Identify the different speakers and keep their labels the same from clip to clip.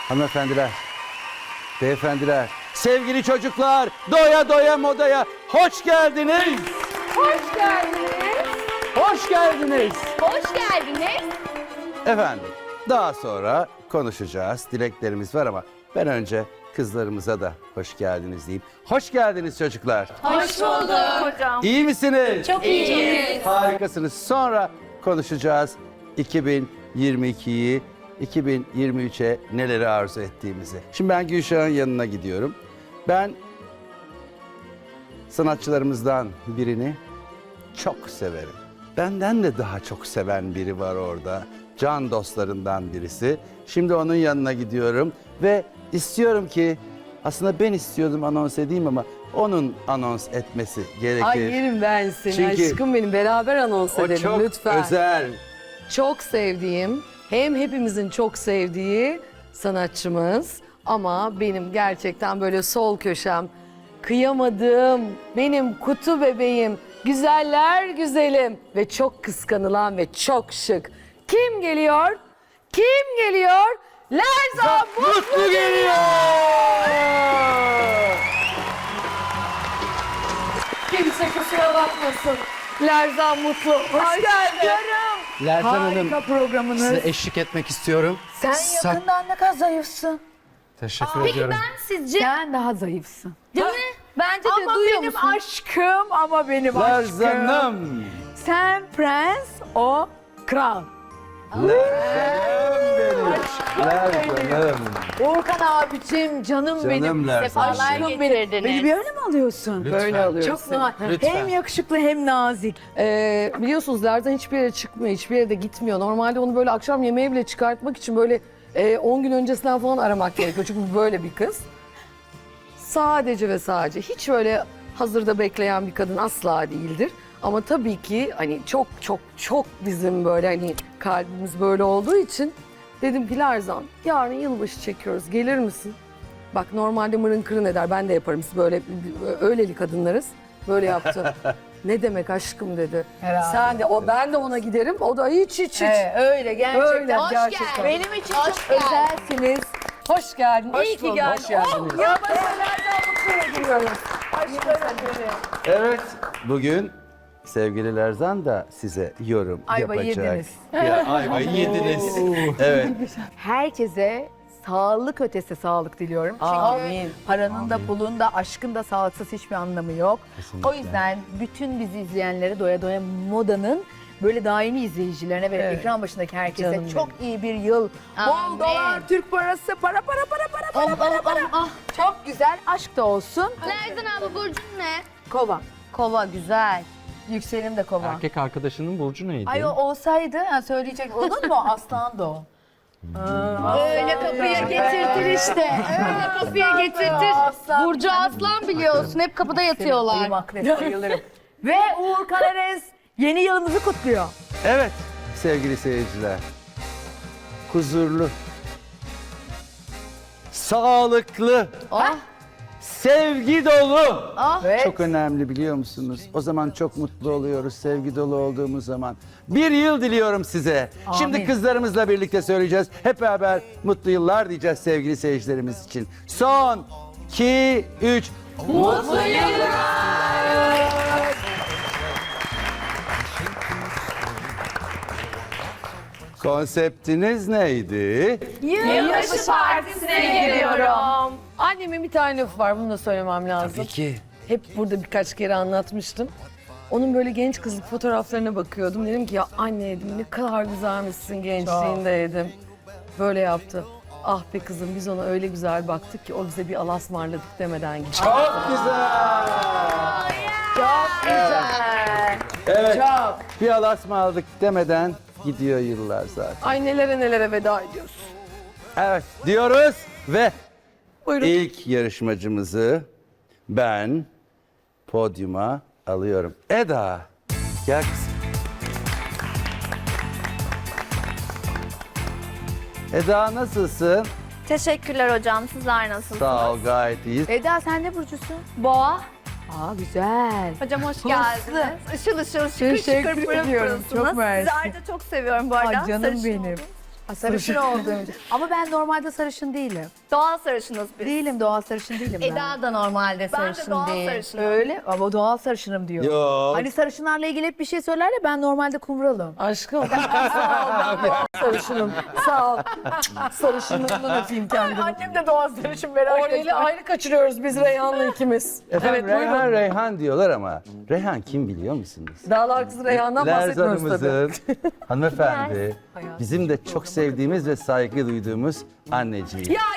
Speaker 1: Hanımefendiler, beyefendiler, sevgili çocuklar, doya doya modaya hoş geldiniz.
Speaker 2: Hoş geldiniz.
Speaker 1: Hoş geldiniz.
Speaker 2: Hoş geldiniz.
Speaker 1: Efendim, daha sonra konuşacağız. Dileklerimiz var ama ben önce kızlarımıza da hoş geldiniz deyip. Hoş geldiniz çocuklar.
Speaker 2: Hoş bulduk hocam.
Speaker 1: İyi misiniz?
Speaker 2: Çok iyiyiz.
Speaker 1: Harikasınız. Sonra konuşacağız 2022'yi, 2023'e neleri arzu ettiğimizi. Şimdi ben Gülşah'ın yanına gidiyorum. Ben sanatçılarımızdan birini çok severim. Benden de daha çok seven biri var orada. Can dostlarından birisi. Şimdi onun yanına gidiyorum ve istiyorum ki, aslında ben istiyordum anons edeyim ama onun anons etmesi gerekir.
Speaker 3: Ay yerim ben seni
Speaker 1: Çünkü
Speaker 3: aşkım benim. Beraber anons
Speaker 1: O
Speaker 3: edelim
Speaker 1: çok
Speaker 3: lütfen.
Speaker 1: özel.
Speaker 3: Çok sevdiğim, hem hepimizin çok sevdiği sanatçımız ama benim gerçekten böyle sol köşem, kıyamadığım, benim kutu bebeğim, güzeller güzelim ve çok kıskanılan ve çok şık. Kim geliyor? Kim geliyor? Lerzan
Speaker 1: Mutlu geliyor.
Speaker 3: Kimse kusura bakmasın. Lerzan Mutlu. Hoş geldin.
Speaker 4: Lerzan
Speaker 5: Harika
Speaker 4: Hanım,
Speaker 5: programınız.
Speaker 4: size eşlik etmek istiyorum.
Speaker 5: Sen yakından ne kadar zayıfsın.
Speaker 4: Teşekkür
Speaker 2: Peki
Speaker 4: ediyorum.
Speaker 2: ben sizce
Speaker 5: Sen daha zayıfsın.
Speaker 2: değil mi? Bence de
Speaker 5: Ama
Speaker 2: duyuyor
Speaker 5: benim
Speaker 2: musun?
Speaker 5: aşkım, ama benim aşkım.
Speaker 1: Lerzan'ım.
Speaker 5: Sen prens, o kral.
Speaker 1: Lerzan'ım.
Speaker 5: Uğurkan abicim, canım benim.
Speaker 1: Canım Lerzan.
Speaker 2: Sefalar
Speaker 5: Aşkım
Speaker 2: getirdiniz.
Speaker 5: Beni böyle mi alıyorsun?
Speaker 4: Lütfen.
Speaker 3: Böyle alıyoruz
Speaker 5: Çok
Speaker 3: seni.
Speaker 4: Lütfen.
Speaker 5: hem yakışıklı hem nazik.
Speaker 3: Biliyorsunuz Lerzan hiçbir yere çıkmıyor, hiçbir yere de gitmiyor. Normalde onu böyle akşam yemeğe bile çıkartmak için böyle 10 gün öncesinden falan aramak gerekiyor. Çünkü böyle bir kız. Sadece ve sadece hiç öyle hazırda bekleyen bir kadın asla değildir. Ama tabii ki hani çok çok çok bizim böyle hani kalbimiz böyle olduğu için dedim ki Lerzan yarın yılbaşı çekiyoruz, gelir misin? Bak normalde mırın kırın eder, ben de yaparım, biz böyle öyleli kadınlarız. Böyle yaptı. Ne demek aşkım dedi.
Speaker 5: Herhalde.
Speaker 3: Sen de ben de ona giderim. O da hiç.
Speaker 5: Öyle gerçekten.
Speaker 3: Öyle
Speaker 2: Hoş
Speaker 3: gerçekten.
Speaker 2: geldin.
Speaker 5: Benim için
Speaker 2: Hoş
Speaker 5: çok
Speaker 2: geldin.
Speaker 5: özelsiniz.
Speaker 3: Hoş geldin.
Speaker 5: Hoş
Speaker 3: İyi ki
Speaker 5: bulduk,
Speaker 3: geldin.
Speaker 5: hoş geldiniz.
Speaker 3: Oh, ya Lerzan Mutlu'ya giriyoruz.
Speaker 1: Evet, bugün sevgili Lerzan da size yorum
Speaker 5: Ayvayı
Speaker 1: yapacak.
Speaker 5: yediniz.
Speaker 1: Ya, ayvayı yediniz. Evet.
Speaker 5: Herkese sağlık ötesi sağlık diliyorum. Çünkü
Speaker 3: Amin.
Speaker 5: paranın da pulun da aşkın da sağlıksız hiçbir anlamı yok.
Speaker 1: Kesinlikle.
Speaker 5: O yüzden bütün bizi izleyenlere doya doya modanın böyle daimi izleyicilerine ve
Speaker 3: Evet.
Speaker 5: ekran başındaki herkese
Speaker 3: Canım
Speaker 5: çok iyi bir yıl.
Speaker 2: Amin.
Speaker 5: Bol dolar, Türk parası, para. Çok güzel aşk da olsun.
Speaker 2: Lerzan abla burcun ne?
Speaker 5: Kova.
Speaker 2: Kova güzel.
Speaker 5: Yükselenim de kova.
Speaker 4: Erkek arkadaşının burcu neydi?
Speaker 5: Ay o olsaydı söyleyecek olur mu? Aslan da o.
Speaker 2: Öyle kapıya getirtir işte. Öyle kapıya getirtir.
Speaker 5: Aslan.
Speaker 2: Burcu Aslan biliyorsun. Hep kapıda
Speaker 5: Ayım
Speaker 2: yatıyorlar.
Speaker 5: akrep bayılırım. Ve Uğur Karares yeni yılımızı kutluyor.
Speaker 1: Evet sevgili seyirciler. Huzurlu, sağlıklı,
Speaker 2: Oh.
Speaker 1: sevgi dolu.
Speaker 5: Evet.
Speaker 1: Çok önemli biliyor musunuz? O zaman çok mutlu oluyoruz sevgi dolu olduğumuz zaman. Bir yıl diliyorum size. Şimdi
Speaker 5: Amin.
Speaker 1: kızlarımızla birlikte söyleyeceğiz. Hep beraber mutlu yıllar diyeceğiz sevgili seyircilerimiz için. Son, 2, 3. Mutlu yıllar. Konseptiniz neydi?
Speaker 2: Yılbaşı partisine gidiyorum.
Speaker 3: Annemin bir tane lafı var, bunu da söylemem lazım.
Speaker 1: Tabii ki.
Speaker 3: Hep burada birkaç kere anlatmıştım. Onun böyle genç kızlık fotoğraflarına bakıyordum. Dedim ki ya anne dedim, ne kadar güzelmişsin gençliğinde dedim. Böyle yaptı. Ah be kızım, biz ona öyle güzel baktık ki o bize bir alasmarladık demeden gitti.
Speaker 1: Çok güzel.
Speaker 5: Çok güzel.
Speaker 1: Evet.
Speaker 5: Çok.
Speaker 1: Bir alasma aldık demeden gidiyor yıllar zaten.
Speaker 3: Ay nelere nelere veda ediyoruz.
Speaker 1: Evet diyoruz ve
Speaker 3: Buyurun.
Speaker 1: ilk yarışmacımızı ben podyuma alıyorum. Eda, gel kızım. Eda nasılsın?
Speaker 2: Teşekkürler hocam. Sizler nasılsınız?
Speaker 1: Sağ ol, gayet iyiyiz.
Speaker 5: Eda sen ne burcusun?
Speaker 2: Boğa.
Speaker 5: Aa güzel.
Speaker 2: Hocam hoş geldiniz. Işıl ışıl şıkır
Speaker 5: Teşekkür
Speaker 2: şıkır pırıl
Speaker 5: ediyorum.
Speaker 2: pırılsınız.
Speaker 5: Çok mersi.
Speaker 2: Sizi ayrıca çok seviyorum bu arada.
Speaker 5: Ay canım
Speaker 2: Sarışın
Speaker 5: benim.
Speaker 2: oldunuz.
Speaker 5: Sarışın olduğum için. Ama ben normalde sarışın değilim.
Speaker 2: Doğal sarışınız biz.
Speaker 5: Değilim, doğal sarışın değilim ben.
Speaker 2: Eda da normalde
Speaker 6: Ben de
Speaker 2: sarışın
Speaker 6: doğal
Speaker 2: değil.
Speaker 6: sarışınım.
Speaker 5: Öyle ama doğal sarışınım diyor.
Speaker 1: Yok.
Speaker 5: Hani sarışınlarla ilgili hep bir şey söyler ya, ben normalde kumralım.
Speaker 3: Aşkım sağ ol. Ben sarışınım. Sağ ol. Sarışınlığımdan öpeyim kendimi.
Speaker 5: Annem de doğal sarışın, merak
Speaker 3: Orayla ayrı kaçırıyoruz biz Reyhan'la ikimiz.
Speaker 1: Efendim
Speaker 3: Evet,
Speaker 1: Reyhan
Speaker 3: buyurun.
Speaker 1: Reyhan diyorlar ama Reyhan kim biliyor musunuz?
Speaker 3: Dağlar kızı Reyhan'dan bahsetmiyoruz tabii.
Speaker 1: Lerzan'ımızın hanımefendi, bizim de çok sevdiğimiz ve saygı duyduğumuz anneciği.
Speaker 2: Ya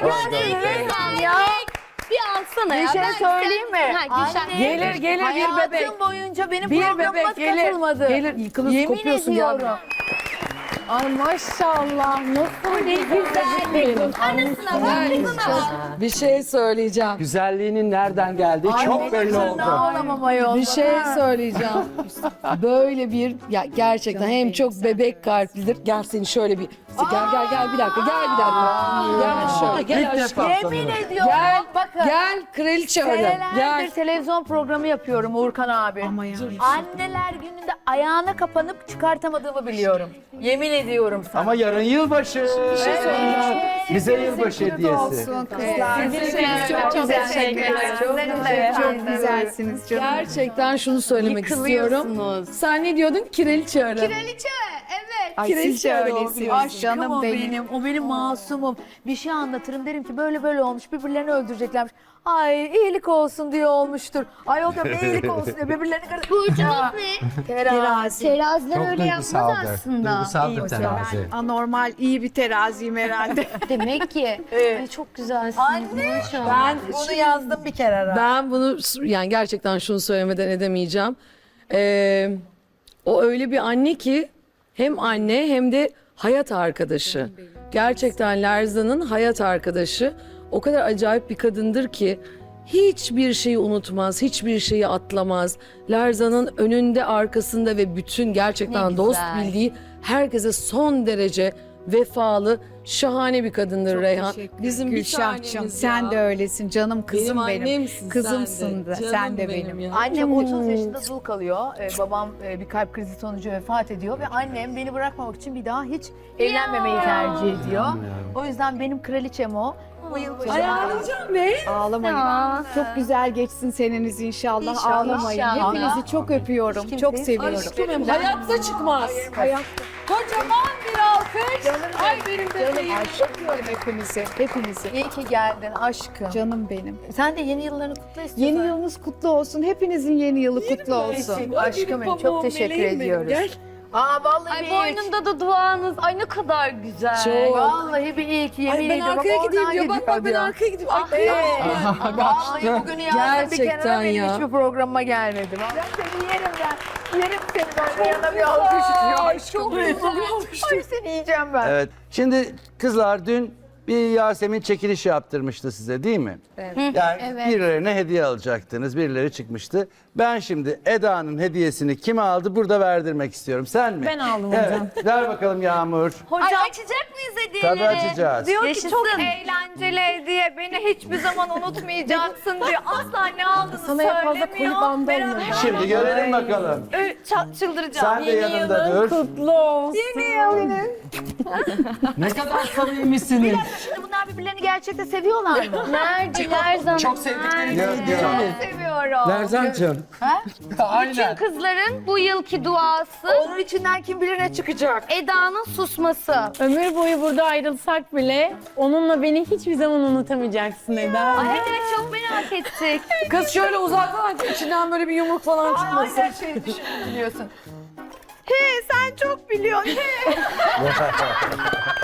Speaker 2: bir alsana ya.
Speaker 5: Bir şey
Speaker 2: Ben
Speaker 5: söyleyeyim mi?
Speaker 2: Ha, Gülşen.
Speaker 5: Anne,
Speaker 3: Gelir gelir bir
Speaker 5: hayatım
Speaker 3: bebek.
Speaker 5: boyunca benim
Speaker 3: Bir
Speaker 5: programıma
Speaker 3: bebek gelir.
Speaker 5: katılmadı.
Speaker 3: Gelir yıkılıp
Speaker 5: Yemin
Speaker 3: kopuyorsun
Speaker 5: ediyorum.
Speaker 3: ya.
Speaker 2: Ay maşallah. Nasıl ne güzel. Anasına bak.
Speaker 3: Bir şey söyleyeceğim.
Speaker 4: Güzelliğinin nereden geldiği çok belli oldu.
Speaker 5: Ağlamam ayol.
Speaker 3: Bir şey söyleyeceğim. Böyle bir ya gerçekten hem çok bebek kalplidir. Gel seni şöyle bir gel bir dakika. Gel şöyle gel aşkım.
Speaker 5: Yemin ediyorum.
Speaker 3: Gel
Speaker 5: Bakın.
Speaker 3: gel kraliçe öyle.
Speaker 5: Senelerdir
Speaker 3: Gel.
Speaker 5: televizyon programı yapıyorum Uğurkan abi. Anneler gününde ayağına kapanıp çıkartamadığımı biliyorum. Yemin ediyorum sana.
Speaker 1: Ama yarın yılbaşı. Bize yılbaşı hediyesi.
Speaker 2: Çok teşekkür ederim.
Speaker 5: Çok güzelsiniz canım.
Speaker 3: Gerçekten şunu söylemek istiyorum. Sen ne diyordun? Kraliçe öyle.
Speaker 6: Kraliçe, evet.
Speaker 5: Ay
Speaker 3: Kraliçe
Speaker 5: siz de
Speaker 3: öyle
Speaker 5: öylesiniz.
Speaker 3: oluyor.
Speaker 5: Aşkım o benim. O benim masumum. Bir şey anlatırım, derim ki böyle böyle olmuş, birbirlerini öldüreceklermiş. Ay iyilik olsun diye olmuştur. Ay o da ne iyilik olsun diye birbirlerini
Speaker 6: Burcunuz ne?
Speaker 5: Terazi.
Speaker 6: Teraziler öyle yapmaz aslında.
Speaker 4: Duygusaldır terazi.
Speaker 7: Anormal iyi bir teraziyim herhalde.
Speaker 6: Demek ki. Ay, çok güzelsiniz.
Speaker 5: Anne
Speaker 6: maşallah.
Speaker 5: ben bunu yazdım bir kere ara.
Speaker 3: Ben bunu yani gerçekten şunu söylemeden edemeyeceğim. O öyle bir anne ki hem anne hem de hayat arkadaşı. Gerçekten Lerzan'ın hayat arkadaşı. O kadar acayip bir kadındır ki hiçbir şeyi unutmaz, hiçbir şeyi atlamaz. Lerzan'ın önünde, arkasında ve bütün gerçekten
Speaker 6: Ne
Speaker 3: dost
Speaker 6: güzel.
Speaker 3: bildiği herkese son derece vefalı, şahane bir kadındır Reyhan. Bizim bir
Speaker 7: Gülşah'cığım
Speaker 3: tanemiz
Speaker 7: sen
Speaker 3: ya.
Speaker 7: de öylesin canım kızım benim.
Speaker 3: annemsin
Speaker 7: Kızımsın
Speaker 3: sen de.
Speaker 7: da,
Speaker 3: Canım
Speaker 7: sen de benim.
Speaker 3: ya.
Speaker 5: Annem 30 yaşında dul kalıyor. Babam bir kalp krizi sonucu vefat ediyor ve annem beni bırakmamak için bir daha hiç evlenmemeyi tercih ediyor. O yüzden benim kraliçem o. Bu yılbaşı
Speaker 3: Ayarlayacağım be.
Speaker 7: Ağlamayın.
Speaker 6: Ya.
Speaker 7: Çok güzel geçsin seneniz inşallah.
Speaker 6: İnşallah,
Speaker 7: Ağlamayın.
Speaker 6: inşallah.
Speaker 7: Hepinizi çok öpüyorum.
Speaker 5: Kimse-
Speaker 7: Çok seviyorum.
Speaker 3: Aşkım hayatta çıkmaz. Kocaman bir alkış. Ay benim bebeğim.
Speaker 7: Öpüyorum hepinizi. Hepinizi.
Speaker 5: İyi ki geldin aşkım.
Speaker 7: Canım benim.
Speaker 5: Sen de yeni yıllarını kutla istiyorsan.
Speaker 7: Yeni yılınız kutlu olsun. Hepinizin yeni yılı kutlu olsun.
Speaker 5: Aşkım benim, çok teşekkür ediyoruz.
Speaker 3: Gel.
Speaker 5: Aa vallahi
Speaker 6: Ay
Speaker 5: bir
Speaker 6: boynunda da duanız. Ay ne kadar güzel.
Speaker 3: Çok.
Speaker 5: Vallahi bir iyi ki yemin
Speaker 3: Ay ben
Speaker 5: ediyorum.
Speaker 3: arkaya
Speaker 5: Bak
Speaker 3: gideyim
Speaker 5: oradan
Speaker 3: diyor. Bak
Speaker 5: gidiyor
Speaker 3: bak ben
Speaker 5: diyor.
Speaker 3: arkaya gideyim. Ay,
Speaker 5: Vallahi bugünü yazdım bir
Speaker 3: Gerçekten
Speaker 5: kenara, benim
Speaker 3: ya.
Speaker 5: hiçbir programıma gelmedi. Ben seni yerim ben. Yerim seni ben. Yana bir alkış istiyor. Çok Ay seni yiyeceğim ben.
Speaker 1: Evet. Şimdi kızlar dün bir Yasemin çekiliş yaptırmıştı size değil mi? Evet. Yani birilerine hediye alacaktınız. Birileri çıkmıştı. Ben şimdi Eda'nın hediyesini kime aldı burada verdirmek istiyorum. Sen mi?
Speaker 6: Ben aldım
Speaker 1: evet.
Speaker 6: hocam.
Speaker 1: Ver bakalım Yağmur.
Speaker 6: Hocam açacak mıyız hediyeleri?
Speaker 1: Tabii açacağız.
Speaker 2: Diyor ki
Speaker 6: Yaşasın.
Speaker 2: çok eğlenceli hediye. Beni hiçbir zaman unutmayacaksın diyor. Asla ne aldığını
Speaker 3: Sana en fazla
Speaker 2: söylemiyor.
Speaker 3: koli bandı
Speaker 2: Beraber-
Speaker 3: alınır.
Speaker 1: Şimdi görelim bakalım.
Speaker 2: Çıldıracağım.
Speaker 1: Sen de yanında dur.
Speaker 6: Kutlu olsun.
Speaker 4: Ne kadar samimisiniz.
Speaker 5: Şimdi bunlar birbirlerini gerçekten seviyorlar mı?
Speaker 6: Merci Lerzan.
Speaker 4: Çok sevdiklerini
Speaker 1: Gel, gel.
Speaker 2: Seviyorum.
Speaker 4: Lerzancığım.
Speaker 2: Bütün
Speaker 4: Aynen.
Speaker 2: kızların bu yılki duası
Speaker 5: Onun içinden kim bilir ne çıkacak.
Speaker 2: Eda'nın susması.
Speaker 8: Ömür boyu burada ayrılsak bile onunla beni hiçbir zaman unutamayacaksın Eda.
Speaker 2: Ay evet çok merak ettik.
Speaker 3: Kız şöyle uzaktan içinden böyle bir yumruk falan çıkmasın.
Speaker 5: Her şeyi düşündüm biliyorsun.
Speaker 2: Sen çok biliyorsun.